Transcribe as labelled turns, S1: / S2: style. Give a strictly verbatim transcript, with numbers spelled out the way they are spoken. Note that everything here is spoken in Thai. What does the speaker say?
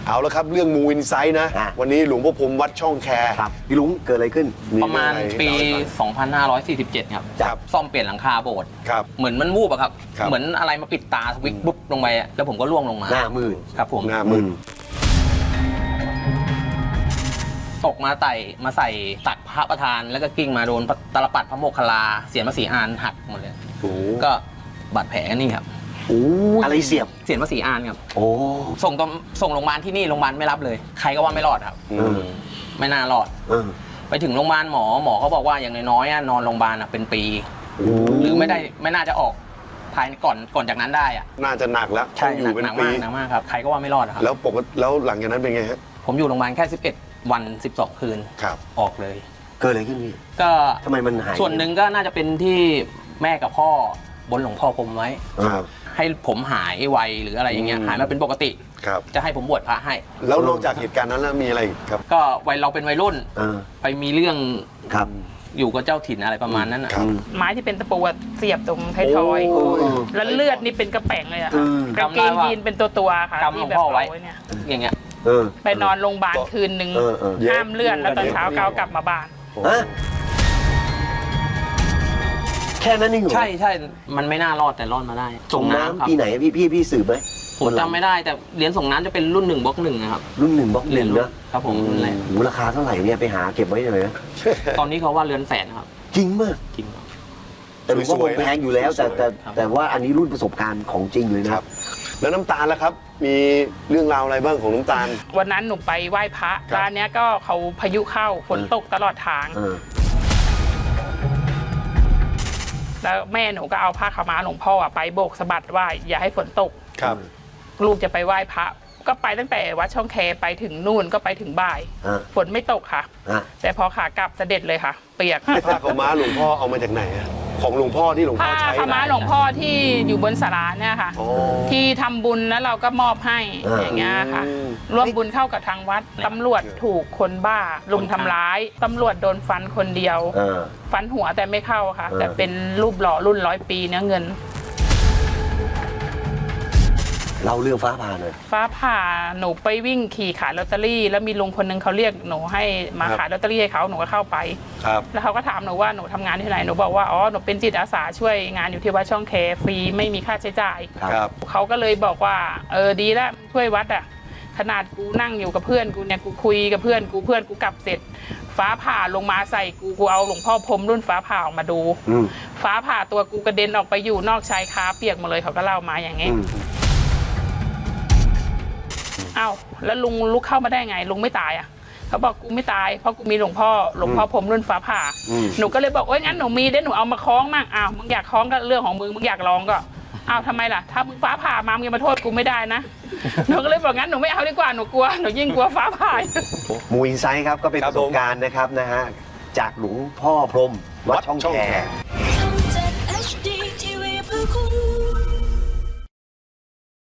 S1: เอาละครับเรื่องมูอินไซต์นะวันนี้หลวงพ่อพรหมวัดช่องแค
S2: ครับพี่ลุงเกิดอะไรขึ้น
S3: ประมาณปี สองพันห้าร้อยสี่สิบเจ็ด ครับซ่อมเปลี่ยนหลังคาโบสถ์เหมือนมันวูบอะครับเหมือนอะไรมาปิดตาวิกบุ๊บลงไปแล้วผมก็ล่วงลงมา
S2: หน้ามืด
S3: ครับผม
S1: หน้ามืด
S3: ตกมาไต่มาใส่ตักพระประธานแล้วก็กิ้งมาโดนตลปัดพระโมคคัลลาเสียนพระศรีอานหักหมดเลยก็บาดแผลนี่ครับ
S2: อะไรเสียบ
S3: เสียนพระศรีอานครับ
S2: โอ้
S3: ส่งตส่งโรงพยาบาลที่นี่โรงพยาบาลไม่รับเลยใครก็ว่าไม่รอดครับไม่น่ารอดไปถึงโรงพยาบาลหมอหมอเขาบอกว่าอย่างน้อยๆนอนโรงพยาบาลเป็นปีหรือไม่ได้ไม่น่าจะออกภายก่อนก่อนจากนั้นได้อะ
S1: น่าจะหนักแล้ว
S3: ใช่อยู่เป็นปีหนักมากครับใครก็ว่าไม่รอดครับ
S1: แล้วปกติแล้วหลังจากนั้นเป็นไงฮะ
S3: ผมอยู่โรงพยาบาลแค่สิบเอ็ดวันสิบสองคืน
S1: ครับ
S3: ออกเลย
S2: เกิดอะไรขึ้นพี่
S3: ก็
S2: ทำไมมันหาย
S3: ส่วนหนึ่งก็น่าจะเป็นที่แม่กับพ่อบนหลวงพ่อผมไว้ให้ผมหายไวหรืออะไรอย่างเงี้ยหายมาเป็นปกติจะให้ผมบวชพระให้
S1: แล้วนอกจากเหตุการณ์นั้นแล้วมีอะไรครับ
S3: ก็วัยเราเป็นวัยรุ่นไปมีเรื่อง
S2: ครับ
S3: อยู่กับเจ้าถิ่นอะไรประมาณนั้น
S1: ครับ
S4: ไม้ที่เป็นตะปูเสียบตรงไทยทอยแล้วเลือดนี่เป็นกระแป้งเลยอะกางเกงยีนเป็นตัวตัวค่ะ
S3: กำหลวงพ่อไว้เนี่ยอย่างเงี้ย
S4: ไปนอนโรงพยาบาลคืนหนึ่งห้ามเลื่อนแล้วตอนเช้าก้าวกลับมาบ้าน
S2: แค่นั้นเองเหรอ
S3: ใช่ใช่มันไม่น่ารอดแต่รอดมาได้
S2: ส่งน้ำปีไหนพี่พี่พี่สืบไหม
S3: ผมจำไม่ได้แต่เหรียญส่งน้ำจะเป็นรุ่นหนึ่งบล็อกหนึ่งนะครับ
S2: รุ่นหนึ่งบล็อกหนึ่ง
S3: นะครับผมรุ่นแรก
S2: มูลค่าเท่าไหร่เนี่ยไปหาเก็บไว้เลยนะ
S3: ตอนนี้เขาว่าเรือนแสนครับ
S2: จริงมาก
S3: จริง
S2: แต่หลวงพ่อแพงอยู่แล้วแต่แต่แต่ว่าอันนี้รุ่นประสบการณ์ของจริงเลยนะครับ
S1: แล้วน้ำตาลล่ะครับมีเรื่องราวอะไรบ้างของน้ำตาล
S4: วันนั้นหนูไปไหว้พระร้านนี้ก็เขาพายุเข้าฝนตกตลอดทางแล้วแม่หนูก็เอาผ้าขาวม้าหลวงพ่อไปโบกสะบัดว่าอย่าให้ฝนตก
S1: ครับ
S4: ลูกจะไปไหว้พระก็ไปตั้งแต่วัดช่องแคไปถึงนู่นก็ไปถึงบ่ายฝนไม่ตกค่ะแต่พอขากลับเสด็จเลยค่ะเปียก
S1: ผ้าขาวม้าหลวงพ่อเอามาจากไหนของหลวงพ่อที่หลวงพ่อใช้
S4: ผ้าขาวม้าหลวงพ่อที่อยู่บนศาลาเนี่ยค่ะที่ทำบุญแล้วเราก็มอบให้อย่างเงี้ยค่ะร่วมบุญเข้ากับทางวัดตำรวจถูกคนบ้าลุมทำร้ายตำรวจโดนฟันคนเดียวฟันหัวแต่ไม่เข้าค่ะแต่เป็นรูปหล่อรุ่นร้อยปีเนื้อเงิน
S2: เราเรื่องฟ้าผ่าเลย
S4: ฟ้าผ่าหนูไปวิ่งขี่ขายลอตเตอรี่แล้วมีลุงคนนึงเขาเรียกหนูให้มาขายลอตเตอรี่ให้เขาหนูก็เข้าไปแล้วเขาก็ถามหนูว่าหนูทำงานที่ไหนหนูบอกว่าอ๋อหนูเป็นจิตอาสาช่วยงานอยู่ที่วัดช่องแคฟรีไม่มีค่าใช้จ่ายเขาก็เลยบอกว่าเออดีแล้วช่วยวัดอ่ะขนาดกูนั่งอยู่กับเพื่อนกูเนี่ยกูคุยกับเพื่อนกูเพื่อนกูกลับเสร็จฟ้าผ่าลงมาใส่กูกูเอาหลวงพ่อพรหมรุ่นฟ้าผ่าออกมาดูฟ้าผ่าตัวกูกระเด็นออกไปอยู่นอกชายคาเปียกหมดเลยเขาก็เล่ามาอย่างงี้อ้าวแล้วลุงลุกเข้ามาได้ไงลุงไม่ตายอ่ะเขาบอกกูไม่ตายเพราะกูมีหลวงพ่อหลวงพ่อผมรุ่นฟ้าผ่าหนูก็เลยบอกโอ๊ยงั้นหนูมีเดี๋ยวหนูเอามาคล้องมั่งอ้าวมึงอยากคล้องก็เรื่องของมึงมึงอยากลองก็อ้าวทำไมล่ะถ้ามึงฟ้าผ่ามามึงมาโทษกูไม่ได้นะหนูก็เลยบอกงั้นหนูไม่เอาดีกว่าหนูกลัวหนูยิ่งกลัวฟ้าผ่า
S2: มูอินไซต์ครับก็เป็นประสบการณ์นะครับนะฮะจากหลวงพ่อพรหมวัดช่องแค